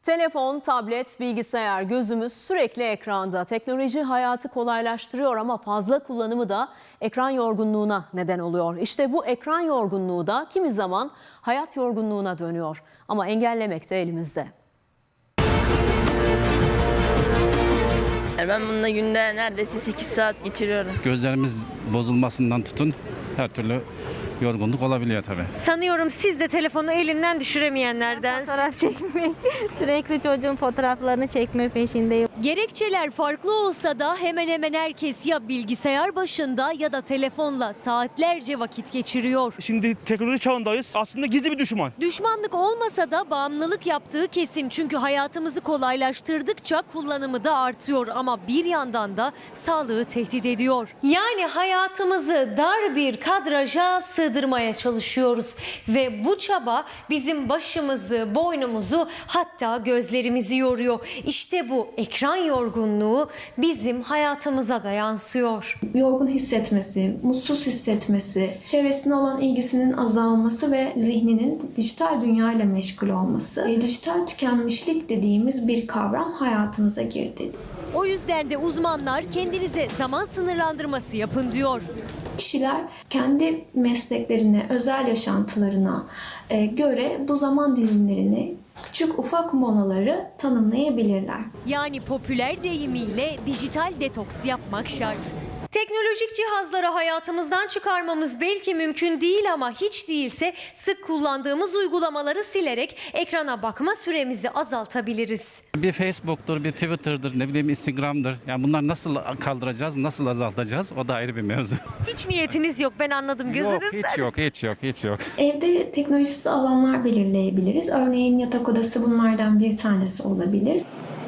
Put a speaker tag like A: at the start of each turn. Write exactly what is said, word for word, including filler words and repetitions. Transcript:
A: Telefon, tablet, bilgisayar, gözümüz sürekli ekranda. Teknoloji hayatı kolaylaştırıyor ama fazla kullanımı da ekran yorgunluğuna neden oluyor. İşte bu ekran yorgunluğu da kimi zaman hayat yorgunluğuna dönüyor. Ama engellemek de elimizde.
B: Yani ben bununla günde neredeyse sekiz saat geçiriyorum.
C: Gözlerimiz bozulmasından tutun her türlü yorgunluk olabiliyor tabii.
D: Sanıyorum siz de telefonu elinden düşüremeyenlerden.
E: Fotoğraf çekmek, sürekli çocuğun fotoğraflarını çekme peşindeyim.
D: Gerekçeler farklı olsa da hemen hemen herkes ya bilgisayar başında ya da telefonla saatlerce vakit geçiriyor.
F: Şimdi teknoloji çağındayız. Aslında gizli bir düşman.
D: Düşmanlık olmasa da bağımlılık yaptığı kesin. Çünkü hayatımızı kolaylaştırdıkça kullanımı da artıyor. Ama bir yandan da sağlığı tehdit ediyor. Yani hayatımızı dar bir kadraja sığdırmaya çalışıyoruz. Ve bu çaba bizim başımızı, boynumuzu hatta gözlerimizi yoruyor. İşte bu ekran yorgunluğu bizim hayatımıza da yansıyor.
G: Yorgun hissetmesi, mutsuz hissetmesi, çevresine olan ilgisinin azalması ve zihninin dijital dünyayla meşgul olması. E, dijital tükenmişlik dediğimiz bir kavram hayatımıza girdi.
D: O yüzden de uzmanlar kendinize zaman sınırlandırması yapın diyor.
G: Kişiler kendi mesleklerine, özel yaşantılarına e, göre bu zaman dilimlerini, küçük ufak molaları tanımlayabilirler.
D: Yani popüler deyimiyle dijital detoks yapmak şart. Teknolojik cihazları hayatımızdan çıkarmamız belki mümkün değil ama hiç değilse sık kullandığımız uygulamaları silerek ekrana bakma süremizi azaltabiliriz.
C: Bir Facebook'tur, bir Twitter'dır, ne bileyim Instagram'dır. Yani bunlar nasıl kaldıracağız, nasıl azaltacağız o da ayrı bir mevzu.
D: Hiç niyetiniz yok, ben anladım gözünüzden.
C: Yok, hiç yok, hiç yok, hiç yok.
G: Evde teknolojisiz alanlar belirleyebiliriz. Örneğin yatak odası bunlardan bir tanesi olabilir.